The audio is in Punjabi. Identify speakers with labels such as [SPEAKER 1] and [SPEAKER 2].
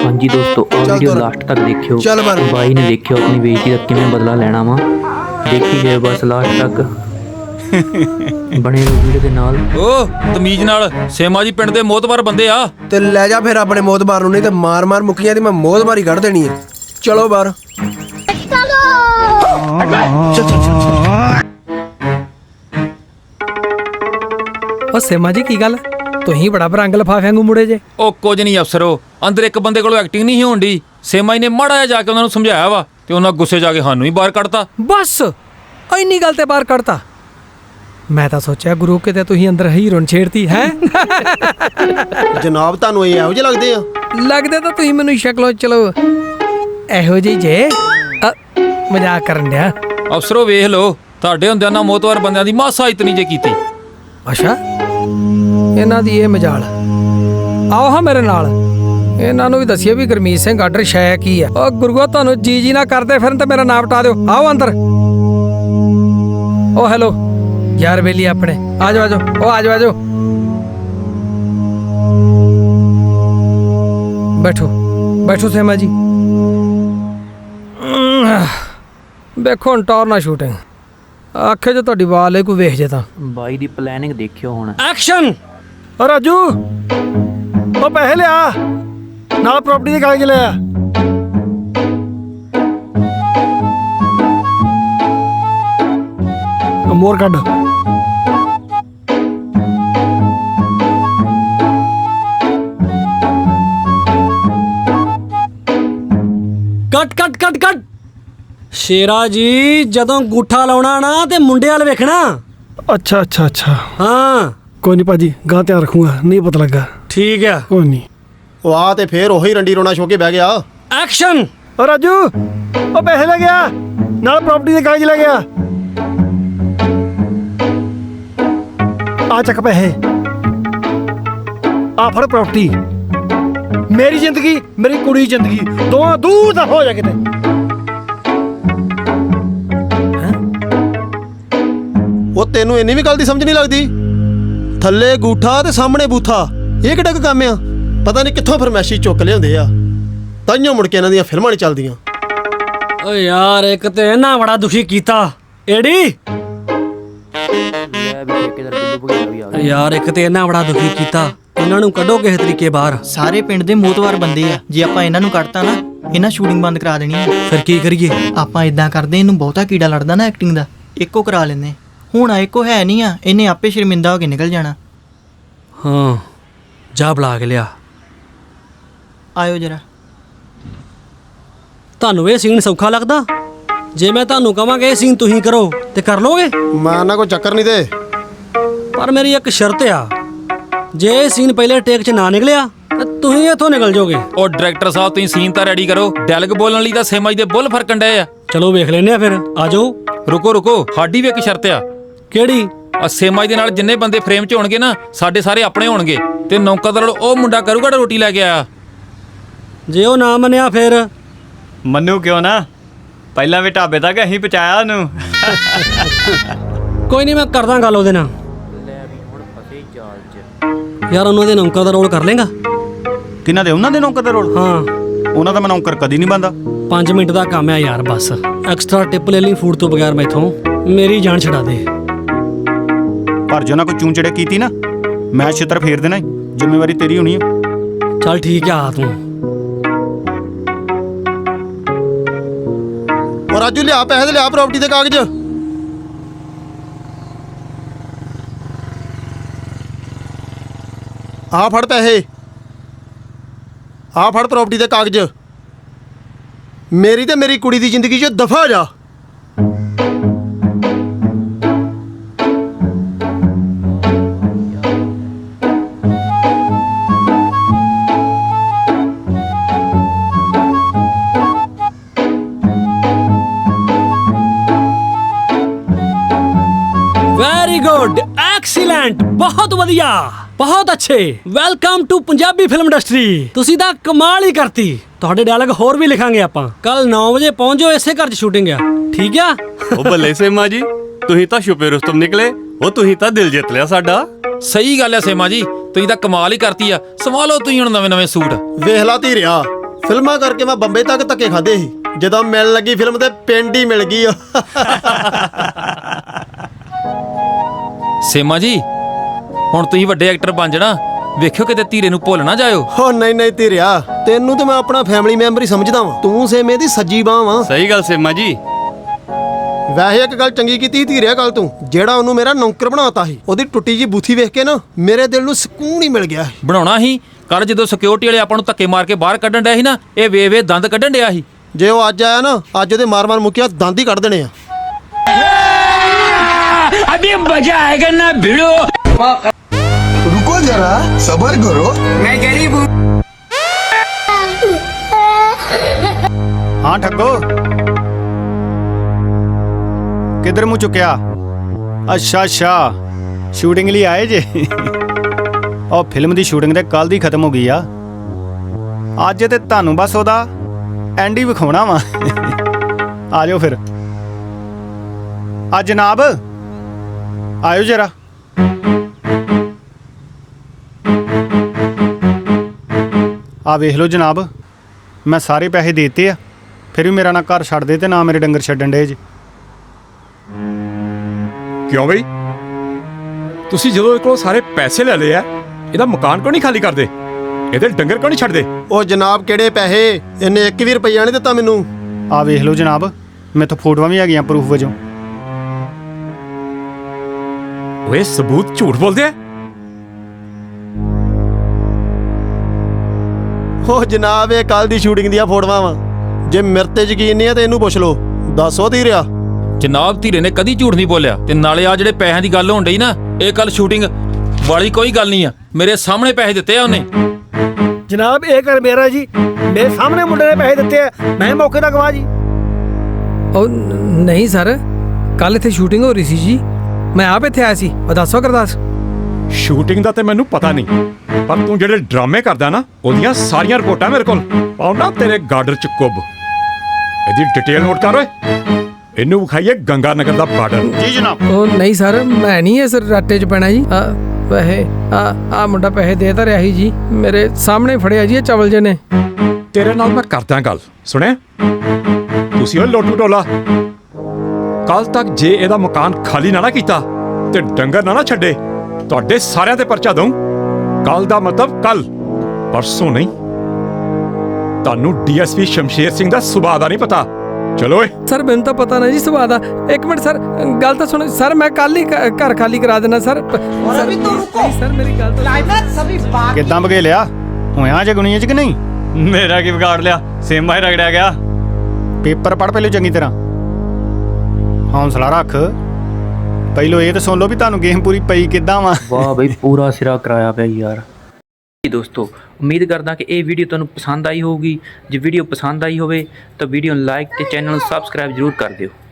[SPEAKER 1] हाँ जी दोस्तों, और वीडियो लास्ट तक देखियो। भाई ने देखियो अपनी बेइज्जती का किवें बदला लेना वा। देखी जाए बस लास्ट तक। बने रहो वीडियो के नाल।
[SPEAKER 2] ओ तमीज नाल सेमा जी पिंड दे मोतबार बंदे आ
[SPEAKER 3] ते ले जा फिर अपने मोतबार नूं, नहीं ते मार मार मुक्कियां दी मैं मोतबारी कढ़ देनी है। चलो बाहर।
[SPEAKER 4] ਉਹ ਸੇਮਾ ਜੀ ਕੀ ਗੱਲ ਤੁਸੀਂ ਬੜਾ ਬਰੰਗ ਲਫਾਫਿਆਂ ਨੂੰ ਮੁੜੇ ਜੇ।
[SPEAKER 2] ਉਹ ਕੁਝ ਨਹੀਂ ਅਫਸਰੋ, ਅੰਦਰ ਇੱਕ ਬੰਦੇ ਕੋਲੋਂ ਐਕਟਿੰਗ ਨਹੀਂ ਹੋਣੀ। ਸੇਮਾ ਜੀ ਨੇ ਮਾੜਾ ਜਿਹਾ ਜਾ ਕੇ ਉਹਨਾਂ ਨੂੰ ਸਮਝਾਇਆ ਵਾ ਤੇ ਉਹਨਾਂ ਗੁੱਸੇ ਜਾ ਕੇ ਸਾਨੂੰ ਹੀ ਬਾਹਰ ਕੱਢਤਾ।
[SPEAKER 4] ਬਸ ਇੰਨੀ ਗੱਲ ਤੇ ਬਾਹਰ ਕੱਢਤਾ। ਮੈਂ ਤਾਂ ਸੋਚਿਆ ਗੁਰੂ ਕਿਤੇ ਤੁਸੀਂ ਅੰਦਰ ਹੀਰੋਨ ਛੇੜਤੀ ਹੈ।
[SPEAKER 3] ਜਨਾਬ ਤੁਹਾਨੂੰ ਇਹ ਇਹੋ ਜਿਹੇ ਲੱਗਦੇ ਆ?
[SPEAKER 4] ਲੱਗਦੇ ਤਾਂ ਤੁਸੀਂ ਮੈਨੂੰ ਸ਼ਕਲੋਂ ਚਲੋ ਇਹੋ ਜਿਹੀ ਜੇ। ਮਜ਼ਾਕ ਕਰਨ ਡਿਆ।
[SPEAKER 2] ਅਫਸਰੋ ਵੇਖ ਲਓ, ਤੁਹਾਡੇ ਹੁੰਦਿਆਂ ਨਾਲ ਮੋਤਬਾਰ ਬੰਦਿਆਂ ਦੀ ਮਾਸਾ ਇਤਨੀ ਜੇ ਕੀਤੀ।
[SPEAKER 4] ਅੱਛਾ ਇਹਨਾਂ ਦੀ ਇਹ ਮਜਾਲ। ਆਓ ਹਾਂ ਮੇਰੇ ਨਾਲ, ਇਹਨਾਂ ਨੂੰ ਵੀ ਦੱਸਿਓ ਵੀ ਗੁਰਮੀਤ ਸਿੰਘ ਆਰਡਰ ਸ਼ੈ ਕੀ ਆ। ਉਹ ਗੁਰੂਆ ਤੁਹਾਨੂੰ ਜੀ ਨਾ ਕਰਦੇ ਫਿਰਨ ਤੇ ਮੇਰਾ ਨਾਮ ਟਾ ਦਿਓ। ਆਓ ਅੰਦਰ। ਉਹ ਹੈਲੋ ਯਾਰ ਬੇਲੀ ਆਪਣੇ, ਆ ਜਾਓ ਆ ਜਾਓ। ਉਹ ਆ ਜਾਓ ਆ ਜਾਓ, ਬੈਠੋ ਬੈਠੋ ਸੇਮਾ ਜੀ। ਵੇਖੋ ਹੁਣ ਟੌਰ ਨਾ ਸ਼ੂਟਿੰਗ ਆਖੇ ਜੋ ਤੁਹਾਡੀ ਵਾਲ ਕੋਈ ਵੇਖ ਜੇ ਤਾਂ।
[SPEAKER 1] भाई दी प्लानिंग देखियो हुण।
[SPEAKER 4] ਐਕਸ਼ਨ।
[SPEAKER 5] ਰਾਜੂ ਉਹ ਪੈਸੇ ਲਿਆ, ਨਾਲ ਪ੍ਰਾਪਰਟੀ ਦੇ ਕਾਗਜ਼ ਲਿਆ। ਮੋਰ ਕੱਢ।
[SPEAKER 6] ਕੱਟ ਕੱਟ ਕੱਟ ਕੱਟ। ਸ਼ੇਰਾ ਜੀ ਜਦੋਂ ਗੂਠਾ ਲਾਉਣਾ ਨਾ ਤੇ ਮੁੰਡੇ ਵਾਲ ਵੇਖਣਾ।
[SPEAKER 5] ਅੱਛਾ ਅੱਛਾ ਅੱਛਾ,
[SPEAKER 6] ਹਾਂ
[SPEAKER 5] ਕੋਈ ਨਹੀਂ ਭਾਜੀ, ਗਾਂ ਧਿਆਨ ਰੱਖੂਗਾ। ਨਹੀਂ ਪਤਾ ਲੱਗਾ।
[SPEAKER 6] ਠੀਕ ਆ।
[SPEAKER 5] ਕੋਈ ਨਹੀਂ।
[SPEAKER 3] ਉਹ ਆ ਤੇ ਫੇਰ ਉਹੀ ਰੰਡੀ ਰੋਣਾ ਛੋ ਕੇ ਬਹਿ ਗਿਆ।
[SPEAKER 6] ਐਕਸ਼ਨ।
[SPEAKER 5] ਉਹ ਰਾਜੂ ਉਹ ਪੈਸੇ ਲੈ ਗਿਆ, ਨਾਲ ਪ੍ਰਾਪਰਟੀ ਦੇ ਕਾਗਜ਼ ਲੈ ਗਿਆ। ਆ ਚੱਕ ਪੈਸੇ, ਆ ਫੜ ਪ੍ਰਾਪਰਟੀ। ਮੇਰੀ ਜ਼ਿੰਦਗੀ ਮੇਰੀ ਕੁੜੀ ਦੀ ਜ਼ਿੰਦਗੀ ਦੋਵਾਂ ਦੂਰ ਦਾ ਹੋ ਜਾ ਕਿਤੇ।
[SPEAKER 3] ਉਹ ਤੈਨੂੰ ਇੰਨੀ ਵੀ ਗੱਲ ਦੀ ਸਮਝ ਨਹੀਂ ਲੱਗਦੀ? ਥੱਲੇ ਗੂਠਾ ਤੇ ਸਾਹਮਣੇ ਬੂਥਾ, ਇਹ ਕਿਹੜਾ ਕੰਮ ਆ? ਪਤਾ ਨਹੀਂ ਕਿੱਥੋਂ ਫਰਮੈਸ਼ੀ ਚੁੱਕ ਲਿਆਉਂਦੇ ਆ, ਤਾਈਓ ਮੁੜ ਕੇ ਇਹਨਾਂ ਦੀਆਂ ਫਿਲਮਾਂ ਨਹੀਂ ਚੱਲਦੀਆਂ।
[SPEAKER 6] ਓ ਯਾਰ ਇੱਕ ਤੇ ਇਹਨਾਂ ਬੜਾ ਦੁਖੀ ਕੀਤਾ। ਏੜੀ
[SPEAKER 1] ਲੈ ਵੀ ਠੇਕੇਦਾਰ ਬਿੱਲੂ ਭਗਿਆ ਵੀ ਆ ਗਿਆ।
[SPEAKER 6] ਯਾਰ ਇੱਕ ਤੇ ਇਹਨਾਂ ਬੜਾ ਦੁਖੀ ਕੀਤਾ। ਇਹਨਾਂ ਨੂੰ ਕੱਢੋ ਕਿਸੇ ਤਰੀਕੇ ਬਾਹਰ।
[SPEAKER 7] ਸਾਰੇ ਪਿੰਡ ਦੇ ਮੋਤਵਾਰ ਬੰਦੇ ਆ, ਜੇ ਆਪਾਂ ਇਹਨਾਂ ਨੂੰ ਕੱਢਤਾ ਨਾ ਇਹਨਾਂ ਸ਼ੂਟਿੰਗ ਬੰਦ ਕਰਾ ਦੇਣੀ ਆ।
[SPEAKER 6] ਫਿਰ ਕੀ ਕਰੀਏ?
[SPEAKER 7] ਆਪਾਂ ਇਦਾਂ ਕਰਦੇ, ਇਹਨੂੰ ਬਹੁਤਾ ਕੀੜਾ ਲੜਦਾ ਨਾ ਐਕਟਿੰਗ ਦਾ, ਇੱਕੋ ਕਰਾ ਲੈਂਦੇ। ਹੁਣ ਇੱਕੋ ਹੈ ਨਹੀਂ ਆ, ਇਹਨੇ ਆਪੇ ਸ਼ਰਮਿੰਦਾ ਹੋ ਕੇ ਨਿਕਲ ਜਾਣਾ।
[SPEAKER 6] ਹਾਂ ਜਾ ਬੁਲਾ ਕੇ ਲਿਆ।
[SPEAKER 7] ਆਇਓ ਜਰਾ।
[SPEAKER 6] ਤੁਹਾਨੂੰ ਇਹ ਸੀਨ ਸੌਖਾ ਲੱਗਦਾ? ਜੇ ਮੈਂ ਤੁਹਾਨੂੰ ਕਹਾਂਗਾ ਇਹ ਸੀਨ ਤੁਸੀਂ ਕਰੋ ਤੇ ਕਰ ਲੋਗੇ?
[SPEAKER 3] ਮੈਂ ਨਾ ਕੋਈ ਚੱਕਰ ਨਹੀਂ ਦੇ।
[SPEAKER 6] ਪਰ ਮੇਰੀ ਇੱਕ ਸ਼ਰਤ ਆ, ਜੇ ਇਹ ਸੀਨ ਪਹਿਲੇ ਟੇਕ 'ਚ ਨਾ ਨਿਕਲਿਆ ਤਾਂ ਤੁਸੀਂ ਇੱਥੋਂ ਨਿਕਲ ਜਾਓਗੇ।
[SPEAKER 2] ਉਹ ਡਾਇਰੈਕਟਰ ਸਾਹਿਬ ਤੁਸੀਂ ਸੀਨ ਤਾਂ ਰੈਡੀ ਕਰੋ। ਡੈਲਗ ਬੋਲਣ ਲਈ ਤਾਂ ਸੇਮਾ ਜੀ ਦੇ ਬੁੱਲ ਫਰਕਣ ਡਏ ਆ।
[SPEAKER 6] ਚਲੋ ਵੇਖ ਲੈਨੇ ਆ ਫਿਰ। ਆ ਜਾਓ।
[SPEAKER 2] ਰੁਕੋ ਰੁਕੋ, ਸਾਡੀ ਵੀ ਇੱਕ ਸ਼ਰਤ ਆ।
[SPEAKER 6] ਕਿਹੜੀ?
[SPEAKER 2] ਆ ਸੇਮਾ ਜੀ ਦੇ ਨਾਲ ਜਿੰਨੇ ਬੰਦੇ ਫਰੇਮ 'ਚ ਹੋਣਗੇ ਨਾ, ਸਾਡੇ ਸਾਰੇ ਆਪਣੇ ਹੋਣਗੇ ਤੇ ਨੌਕਰਦਾਰ ਉਹ ਮੁੰਡਾ ਕਰੂਗਾ ਜਿਹੜਾ ਰੋਟੀ ਲੈ ਕੇ ਆਇਆ।
[SPEAKER 6] ਜੇ ਉਹ ਨਾ ਮੰਨਿਆ ਫਿਰ?
[SPEAKER 8] ਮੰਨੂ ਕਿਉਂ ਨਾ, ਪਹਿਲਾਂ ਵੀ ਢਾਬੇ ਤੱਕ ਅਸੀਂ ਪਹੁੰਚਾਇਆ ਉਹਨੂੰ।
[SPEAKER 6] ਕੋਈ ਨਹੀਂ, ਮੈਂ ਕਰਦਾ ਗੱਲ ਉਹਦੇ ਨਾਲ।
[SPEAKER 1] ਲੈ ਵੀ ਹੁਣ ਫਸੇ ਜਾਲ 'ਚ।
[SPEAKER 6] ਯਾਰ ਉਹਨਾਂ ਦੇ ਨੌਕਰ ਦਾ ਰੋਲ ਕਰ ਲੇਗਾ?
[SPEAKER 8] ਕਿਹਨਾਂ ਦੇ? ਉਹਨਾਂ ਦੇ ਨੌਕਰ ਦੇ ਰੋਲ?
[SPEAKER 6] ਹਾਂ।
[SPEAKER 8] ਉਹਨਾਂ ਦਾ ਮੈਂ ਨੌਕਰ ਕਦੀ ਨਹੀਂ ਬੰਦਾ।
[SPEAKER 6] 5 ਮਿੰਟ ਦਾ ਕੰਮ ਆ ਯਾਰ, ਬਸ ਐਕਸਟਰਾ ਟਿਪ ਲੈ ਲਈ ਫੂਡ ਤੋਂ ਬਗੈਰ ਮੈਥੋਂ। ਮੇਰੀ ਜਾਨ ਛਡਾ ਦੇ।
[SPEAKER 8] ਪਰ ਜੇ ਨਾ ਕੋਈ ਚੂੰਚੜੇ ਕੀਤੀ ਨਾ, ਮੈਂ ਛਿੱਤਰ ਫੇਰ ਦੇਣਾ। ਜ਼ਿੰਮੇਵਾਰੀ ਤੇਰੀ ਹੋਣੀ ਆ।
[SPEAKER 6] ਚੱਲ ਠੀਕ ਆ ਤੂੰ।
[SPEAKER 3] ਉਹ ਰਾਜੂ ਲਿਆ ਪੈਸੇ ਤੇ ਲਿਆ ਪ੍ਰਾਪਰਟੀ ਦੇ ਕਾਗਜ਼। ਆ ਫੜ ਪੈਸੇ, ਆ ਫੜ ਪ੍ਰਾਪਰਟੀ ਦੇ ਕਾਗਜ਼। ਮੇਰੀ ਤੇ ਮੇਰੀ ਕੁੜੀ ਦੀ ਜ਼ਿੰਦਗੀ 'ਚ ਦਫਾ ਹੋ ਜਾ।
[SPEAKER 6] ਵੈਰੀ ਗੁੱਡ, ਐਕਸੀਲੈਂਟ, ਬਹੁਤ ਵਧੀਆ, ਬਹੁਤ ਅੱਛੇ। Welcome to Punjabi film industry. ਤੁਸੀਂ ਤਾਂ ਕਮਾਲ ਹੀ ਕਰਤੀ। ਤੁਹਾਡੇ ਡਾਇਲੌਗ ਹੋਰ ਵੀ ਲਿਖਾਂਗੇ ਆਪਾਂ। ਕੱਲ 9 ਵਜੇ ਪਹੁੰਚ ਜਾਓ, ਇਸੇ ਘਰ 'ਚ ਸ਼ੂਟਿੰਗ ਆ, ਠੀਕ ਆ?
[SPEAKER 9] ਉਹ ਬੱਲੇ ਸੇਮਾ ਜੀ, ਤੁਸੀਂ ਤਾਂ ਛੁਪੇ ਰੁਸਤਮ ਨਿਕਲੇ। ਉਹ ਤੁਸੀਂ ਤਾਂ ਦਿਲ ਜਿੱਤ ਲਿਆ ਸਾਡਾ।
[SPEAKER 2] ਸਹੀ ਗੱਲ ਹੈ ਸੇਮਾ ਜੀ, ਤੁਸੀਂ ਤਾਂ ਕਮਾਲ ਹੀ ਕਰਤੀ ਆ। ਸਵਾ ਲਓ ਤੁਸੀਂ ਹੁਣ ਨਵੇਂ ਨਵੇਂ ਸੂਟ।
[SPEAKER 3] ਵੇਖ ਲਾ ਧੀਰਿਆ, ਫਿਲਮਾਂ ਕਰਕੇ ਮੈਂ ਬੰਬੇ ਤੱਕ ਧੱਕੇ ਖਾਦੇ ਸੀ, ਜਦੋਂ ਮਿਲਣ ਲੱਗੀ ਫਿਲਮ ਤੇ ਪਿੰਡ ਹੀ ਮਿਲ ਗਈ।
[SPEAKER 2] ਸੇਮਾ ਜੀ ਹੁਣ ਤੁਸੀਂ ਵੱਡੇ ਐਕਟਰ ਬਣ ਜਾਣਾ, ਵੇਖਿਓ ਕਿਤੇ ਧੀਰੇ ਨੂੰ ਭੁੱਲ ਨਾ ਜਾਇਓ।
[SPEAKER 3] ਹੋ ਨਹੀਂ ਨਹੀਂ ਧੀਰਿਆ, ਤੈਨੂੰ ਤੇ ਮੈਂ ਆਪਣਾ ਫੈਮਿਲੀ ਮੈਂਬਰ ਹੀ ਸਮਝਦਾ ਵਾਂ, ਤੂੰ ਸੇਮੇ ਦੀ ਸੱਜੀ ਬਾਂਹ ਵਾਂ।
[SPEAKER 9] ਸਹੀ ਗੱਲ ਸੇਮਾ ਜੀ।
[SPEAKER 3] ਵੈਸੇ ਇੱਕ ਗੱਲ ਚੰਗੀ ਕੀਤੀ ਧੀਰਿਆ ਕੱਲ ਤੂੰ, ਜਿਹੜਾ ਉਹਨੂੰ ਮੇਰਾ ਨੌਕਰ ਬਣਾਤਾ ਸੀ, ਉਹਦੀ ਟੁੱਟੀ ਜੀ ਬੂਥੀ ਵੇਖ ਕੇ ਨਾ ਮੇਰੇ ਦਿਲ ਨੂੰ ਸਕੂਨ ਹੀ ਮਿਲ ਗਿਆ।
[SPEAKER 2] ਬਣਾਉਣਾ ਸੀ, ਕੱਲ ਜਦੋਂ ਸਿਕਿਉਰਿਟੀ ਵਾਲੇ ਆਪਾਂ ਨੂੰ ਧੱਕੇ ਮਾਰ ਕੇ ਬਾਹਰ ਕੱਢਣ ਡਿਆ ਸੀ ਨਾ, ਇਹ ਵੇ ਦੰਦ ਕੱਢਣ ਡਿਆ ਸੀ।
[SPEAKER 3] ਜੇ ਉਹ ਅੱਜ ਆਇਆ ਨਾ, ਅੱਜ ਉਹਦੇ ਮਾਰ-ਮਾਰ ਮੁੱਕਿਆ ਦੰਦ ਹੀ ਕੱਢ ਦੇਣੇ ਆ।
[SPEAKER 6] अभी मजा आएगा ना भिड़ो।
[SPEAKER 10] रुको जरा सबर करो।
[SPEAKER 6] मैं गरीब हूँ।
[SPEAKER 8] ਹਾਂ ਠੱਗੋ, ਕਿੱਧਰ ਮੂੰਹ ਚੁੱਕਿਆ? ਅੱਛਾ ਸ਼ੂਟਿੰਗ ਲਈ ਆਏ ਜੇ? ਉਹ ਫਿਲਮ ਦੀ ਸ਼ੂਟਿੰਗ ਤੇ ਕੱਲ ਦੀ ਖਤਮ ਹੋ ਗਈ ਆ, ਅੱਜ ਤੇ ਤੁਹਾਨੂੰ ਬਸ ਉਹਦਾ ਐਂਡ ਹੀ ਵਿਖਾਉਣਾ ਵਾ। ਆ ਜਾਓ ਫਿਰ। ਆ ਜਨਾਬ ਆਇਓ ਜਰਾ। ਆ ਵੇਖ ਲਓ ਜਨਾਬ, ਮੈਂ ਸਾਰੇ ਪੈਸੇ ਦੇਤੇ ਆ, ਫਿਰ ਵੀ ਮੇਰਾ ਨਾ ਘਰ ਛੱਡ ਦੇ ਤੇ ਨਾ ਮੇਰੇ ਡੰਗਰ ਛੱਡਣ ਡੇ ਜੀ।
[SPEAKER 11] ਕਿਉਂ ਬਈ, ਤੁਸੀਂ ਜਦੋਂ ਇਹ ਕੋਲੋਂ ਸਾਰੇ ਪੈਸੇ ਲੈ ਲਏ ਆ, ਇਹਦਾ ਮਕਾਨ ਕਿਉਂ ਨਹੀਂ ਖਾਲੀ ਕਰਦੇ? ਇਹਦੇ ਡੰਗਰ ਕਿਉਂ ਨਹੀਂ ਛੱਡਦੇ?
[SPEAKER 3] ਉਹ ਜਨਾਬ ਕਿਹੜੇ ਪੈਸੇ, ਇਹਨੇ 1 ਵੀ ਰੁਪਈਆ ਨਹੀਂ ਦਿੱਤਾ ਮੈਨੂੰ।
[SPEAKER 8] ਆ ਵੇਖ ਲਓ ਜਨਾਬ, ਮੇਥੋਂ ਫੋਟੋਆਂ ਵੀ ਹੈਗੀਆਂ ਪ੍ਰੂਫ ਵਜੋਂ।
[SPEAKER 11] ਓਏ ਸਬੂਤ ਝੂਠ ਬੋਲਦੇ ਆ।
[SPEAKER 3] ਉਹ ਜਨਾਬ ਇਹ ਕੱਲ ਦੀ ਸ਼ੂਟਿੰਗ ਦੀਆਂ ਫੋਟੋਆਂ ਵਾ, ਜੇ ਮੇਰੇ ਤੇ ਯਕੀਨ ਨਹੀਂ ਹੈ ਤੇ ਇਹਨੂੰ ਪੁੱਛ ਲਓ। ਦੱਸੋ ਧੀਰਿਆ।
[SPEAKER 2] ਜਨਾਬ ਧੀਰੇ ਨੇ ਕਦੀ ਝੂਠ ਨਹੀਂ ਬੋਲਿਆ, ਤੇ ਨਾਲੇ ਆ ਜਿਹੜੇ ਪੈਸਿਆਂ ਦੀ ਗੱਲ ਹੋਣ ਡਈ ਨਾ, ਇਹ ਕੱਲ ਸ਼ੂਟਿੰਗ ਵਾਲੀ ਕੋਈ ਗੱਲ ਨਹੀਂ ਆ, ਮੇਰੇ ਸਾਹਮਣੇ ਪੈਸੇ ਦਿੱਤੇ ਆ ਉਹਨੇ।
[SPEAKER 5] ਜਨਾਬ ਇਹ ਕਰ ਮੇਰਾ ਜੀ, ਮੇਰੇ ਸਾਹਮਣੇ ਮੁੰਡੇ ਨੇ ਪੈਸੇ ਦਿੱਤੇ ਆ, ਮੈਂ ਮੌਕੇ ਦਾ ਗਵਾਹ ਜੀ।
[SPEAKER 4] ਉਹ ਨਹੀਂ ਸਰ, ਕੱਲ ਇੱਥੇ ਸ਼ੂਟਿੰਗ ਹੋ ਰਹੀ ਸੀ ਜੀ, ਮੈਂ ਆਪ ਇੱਥੇ ਆਇਆ ਸੀ। ਉਹ ਦੱਸੋ ਗੁਰਦਾਸ।
[SPEAKER 11] ਸ਼ੂਟਿੰਗ ਦਾ ਤੇ ਮੈਨੂੰ ਪਤਾ ਨਹੀਂ, ਪਰ ਤੂੰ ਜਿਹੜੇ ਡਰਾਮੇ ਕਰਦਾ ਨਾ, ਉਹਦੀਆਂ ਸਾਰੀਆਂ ਰਿਪੋਰਟਾਂ ਮੇਰੇ ਕੋਲ ਪਾਉਣਾ ਤੇਰੇ ਗਾਰਡਰ ਚ ਕੁੱਬ। ਇਹਦੀ ਡਿਟੇਲ ਨੋਟ ਕਰ ਓਏ, ਇਹਨੂੰ ਵਿਖਾਈਏ ਗੰਗਾ ਨਗਰ ਦਾ ਬਾਰਡਰ।
[SPEAKER 8] ਜੀ ਜਨਾਬ।
[SPEAKER 4] ਉਹ ਨਹੀਂ ਸਰ, ਮੈਂ ਨਹੀਂ ਇਸ ਰੱਟੇ 'ਚ ਪੈਣਾ ਜੀ। ਵੈਸੇ ਆ ਮੁੰਡਾ ਪੈਸੇ ਦੇ ਤਾਂ ਰਿਹਾ ਸੀ ਜੀ, ਮੇਰੇ ਸਾਹਮਣੇ ਫੜਿਆ ਜੀ ਇਹ ਚਵਲ ਜੇ ਨੇ।
[SPEAKER 11] ਤੇਰੇ ਨਾਲ ਮੈਂ ਕਰਦਾ ਗੱਲ, ਸੁਣਿਆ? ਤੁਸੀਂ ਉਹ ਲੋਟੂ ਟੋਲਾ, ਕੱਲ ਤੱਕ ਜੇ ਇਹਦਾ ਮਕਾਨ ਖਾਲੀ ਨਾ ਕੀਤਾ ਤੇ ਡੰਗਰ ਨਾ ਛੱਡੇ, ਤੁਹਾਡੇ ਸਾਰਿਆਂ ਤੇ ਪਰਚਾ ਦਊਂ। ਕੱਲ ਦਾ ਮਤਲਬ ਕੱਲ, ਪਰਸੋਂ ਨਹੀਂ। ਤੁਹਾਨੂੰ ਡੀਐਸਪੀ ਸ਼ਮਸ਼ੇਰ ਸਿੰਘ ਦਾ ਸੁਭਾਅ ਦਾ ਨਹੀਂ ਪਤਾ। ਚਲੋ ਓਏ।
[SPEAKER 4] ਸਰ ਮੈਨੂੰ ਤਾਂ ਪਤਾ ਨਹੀਂ ਜੀ ਸੁਭਾਅ ਦਾ। ਇੱਕ ਮਿੰਟ ਸਰ, ਗੱਲ ਤਾਂ ਸੁਣੋ ਸਰ, ਮੈਂ ਕੱਲ ਹੀ ਘਰ ਖਾਲੀ ਕਰਾ ਦੇਣਾ ਸਰ। ਸਰ ਮੇਰੀ ਗੱਲ ਤਾਂ
[SPEAKER 8] ਕਿੱਦਾਂ ਬਗੇਲਿਆ ਹੋਇਆ ਜੇ ਗੁਣੀਆਂ ਚ ਕਿ ਨਹੀਂ?
[SPEAKER 9] ਮੇਰਾ ਕੀ ਵਿਗਾੜ ਲਿਆ, ਸੇਮਾ ਹੀ ਰਗੜਿਆ ਗਿਆ।
[SPEAKER 8] ਪੇਪਰ ਪੜ੍ਹ ਪਹਿਲੇ ਚੰਗੀ ਤਰ੍ਹਾਂ, ਹੌਂਸਲਾ ਰੱਖ। ਪਹਿਲੋਂ ਇਹ ਤਾਂ ਸੁਣ ਲਓ ਵੀ ਤੁਹਾਨੂੰ ਗੇਮ ਪੂਰੀ ਪਈ ਕਿੱਦਾਂ ਵਾ।
[SPEAKER 1] ਵਾਹ ਬਈ ਪੂਰਾ ਸਿਰਾ ਕਰਾਇਆ ਪਿਆ ਯਾਰ। ਦੋਸਤੋ ਉਮੀਦ ਕਰਦਾ ਕਿ ਇਹ ਵੀਡੀਓ ਤੁਹਾਨੂੰ ਪਸੰਦ ਆਈ ਹੋਊਗੀ। ਜੇ ਵੀਡੀਓ ਪਸੰਦ ਆਈ ਹੋਵੇ ਤਾਂ ਵੀਡੀਓ ਨੂੰ ਲਾਈਕ ਤੇ ਚੈਨਲ ਨੂੰ ਸਬਸਕ੍ਰਾਈਬ ਜ਼ਰੂਰ ਕਰ ਦਿਓ।